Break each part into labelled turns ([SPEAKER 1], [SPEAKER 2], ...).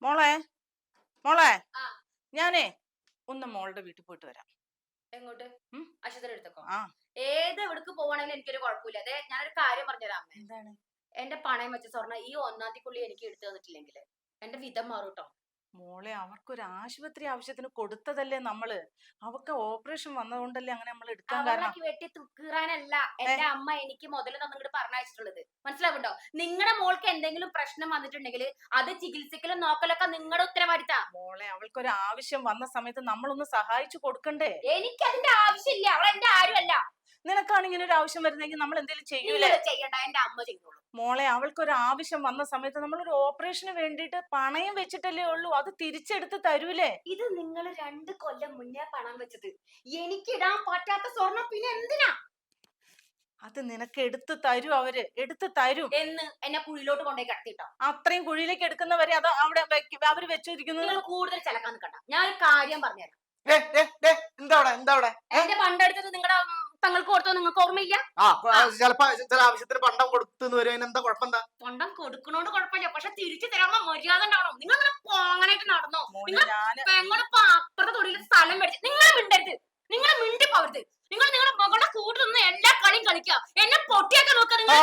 [SPEAKER 1] മോളെ മോളെ
[SPEAKER 2] ആ
[SPEAKER 1] ഞാനേ ഒന്ന് മോളുടെ വീട്ടിൽ പോയിട്ട് വരാം.
[SPEAKER 2] എങ്ങോട്ട്?
[SPEAKER 1] ഉം?
[SPEAKER 2] അശ്വതിയുടെ അടുത്തേക്കോ?
[SPEAKER 1] ആ
[SPEAKER 2] ഏത് എവിടേക്ക് പോവാണെങ്കിലും എനിക്കൊരു കുഴപ്പമില്ല. അതെ, ഞാനൊരു കാര്യം പറഞ്ഞുതരാം അമ്മേ.
[SPEAKER 1] എന്താണ്
[SPEAKER 2] എന്റെ പണയം വെച്ച സ്വർണ്ണം ഈ 1-ാം തീയതിക്കുള്ളിൽ എനിക്ക് എടുത്തു തന്നിട്ടില്ലെങ്കിൽ എന്റെ വിധം മാറും ട്ടോ.
[SPEAKER 1] മോളെ, അവർക്കൊരു ആശുപത്രി ആവശ്യത്തിന് കൊടുത്തതല്ലേ നമ്മള്. അവർക്ക് ഓപ്പറേഷൻ വന്നതുകൊണ്ടല്ലേ അങ്ങനെ നമ്മൾ എടുക്കാൻ കാരണം.
[SPEAKER 2] അവളൊക്കെ വെട്ടി തുക്കീറാനല്ല
[SPEAKER 1] ഏ
[SPEAKER 2] എന്റെ അമ്മ എനിക്ക് മുതല് തന്നിങ്ങോട്ട് പറഞ്ഞയച്ചിട്ടുള്ളത്. മനസ്സിലാവുണ്ടോ? നിങ്ങളുടെ മോൾക്ക് എന്തെങ്കിലും പ്രശ്നം വന്നിട്ടുണ്ടെങ്കിൽ അത് ചികിത്സിക്കലും നോക്കലൊക്കെ നിങ്ങളുടെ ഉത്തരവാദിത്താ.
[SPEAKER 1] മോളെ, അവൾക്കൊരു ആവശ്യം വന്ന സമയത്ത് നമ്മളൊന്ന് സഹായിച്ചു കൊടുക്കണ്ടേ?
[SPEAKER 2] എനിക്ക് അതിന്റെ ആവശ്യമില്ല. അവൾ എന്റെ ആരുമല്ല.
[SPEAKER 1] നിനക്കാണ് ഇങ്ങനെ ഒരു ആവശ്യം വരുന്നെങ്കിൽ നമ്മൾ എന്തെങ്കിലും ചെയ്യൂലേ?
[SPEAKER 2] നിങ്ങൾ ചെയ്യണ്ട, എന്റെ അമ്മ ചെയ്തോളൂ.
[SPEAKER 1] മോളെ, അവൾക്കൊരു ആവശ്യം വന്ന സമയത്ത് നമ്മളൊരു ഓപ്പറേഷന് വേണ്ടിയിട്ട് പണയം വെച്ചിട്ടല്ലേ ഉള്ളൂ. അത് തിരിച്ചെടുത്ത് തരൂലേ?
[SPEAKER 2] ഇത് നിങ്ങൾ 2 കൊല്ലം മുന്നേ പണം വെച്ചത്. എനിക്ക് ഇടാൻ പറ്റാത്ത സ്വർണം പിന്നെ എന്തിനാ?
[SPEAKER 1] അത് നിനക്ക് എടുത്തു തരും, അവര് എടുത്തു തരും.
[SPEAKER 2] എന്ന് എന്നെ കുഴിയിലോട്ട് കൊണ്ടേ കിടത്തിട്ടോ.
[SPEAKER 1] അത്രയും കുഴിയിലേക്ക് എടുക്കുന്നവരെ അത് അവിടെ അവര് വെച്ചിരിക്കുന്നത്.
[SPEAKER 2] നിങ്ങൾ കൂടുതൽ ചിലക്കാൻ നിൽക്കണ്ട. ഞാൻ ഒരു കാര്യം പറഞ്ഞുതരാം.
[SPEAKER 3] എന്താ
[SPEAKER 2] എന്റെ പണ്ടെടുത്തത് നിങ്ങളുടെ തങ്ങൾക്ക് കൊടുത്തോ? നിങ്ങൾക്ക് ഓർമ്മയില്ല?
[SPEAKER 3] ചിലപ്പോ ചില ആവശ്യത്തിന് പണ്ടം കൊടുത്തു വരും. എന്താ കുഴപ്പമെന്താ?
[SPEAKER 2] പണ്ടം കൊടുക്കണോണ്ട് കുഴപ്പമില്ല, പക്ഷെ തിരിച്ചു തരാനുള്ള മര്യാദ ഉണ്ടാവണം. നിങ്ങൾ അങ്ങനെ പോങ്ങനായിട്ട് നടന്നോ? നിങ്ങൾ പെങ്ങളിപ്പോ അപ്പുറത്തെ തൊടിയിൽ സ്ഥലം മേടിച്ചു. നിങ്ങൾ മിണ്ടരുത്, നിങ്ങൾ മിണ്ടി പോവരുത്. നിങ്ങൾ നിങ്ങളുടെ മകളുടെ കൂടെ നിന്ന് എല്ലാ കളിയും കളിക്കുക. എന്നെ പൊട്ടിയൊക്കെ നോക്കുക. നിങ്ങൾ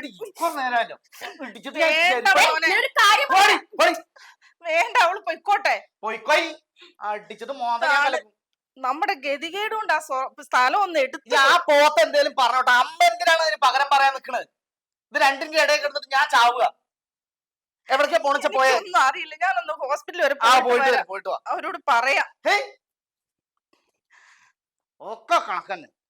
[SPEAKER 1] വേണ്ട, അവള് പൊയ്ക്കോട്ടെ.
[SPEAKER 3] അടിച്ചിട്ട് മോദം
[SPEAKER 1] നമ്മുടെ ഗതികേട് കൊണ്ട് ആ സ്ഥലം ഒന്ന് എടുത്ത്
[SPEAKER 3] ആ പോത്ത് എന്തേലും പറഞ്ഞോട്ടെ. അമ്മ എന്തിനാണ് അതിന് പകരം പറയാൻ നിക്കണത്? ഇത് രണ്ടിന്റെ ഇടയിൽ കിടന്നിട്ട് ഞാൻ ചാവുക. എവിടേക്കാ പോണിച്ച പോയെ?
[SPEAKER 1] ഒന്നും അറിയില്ല. ഞാനൊന്ന് ഹോസ്പിറ്റലിൽ വരെ
[SPEAKER 3] പോയിട്ട് വാ.
[SPEAKER 1] അവരോട് പറയാം.
[SPEAKER 3] ഒക്കെ കണക്കന്നെ.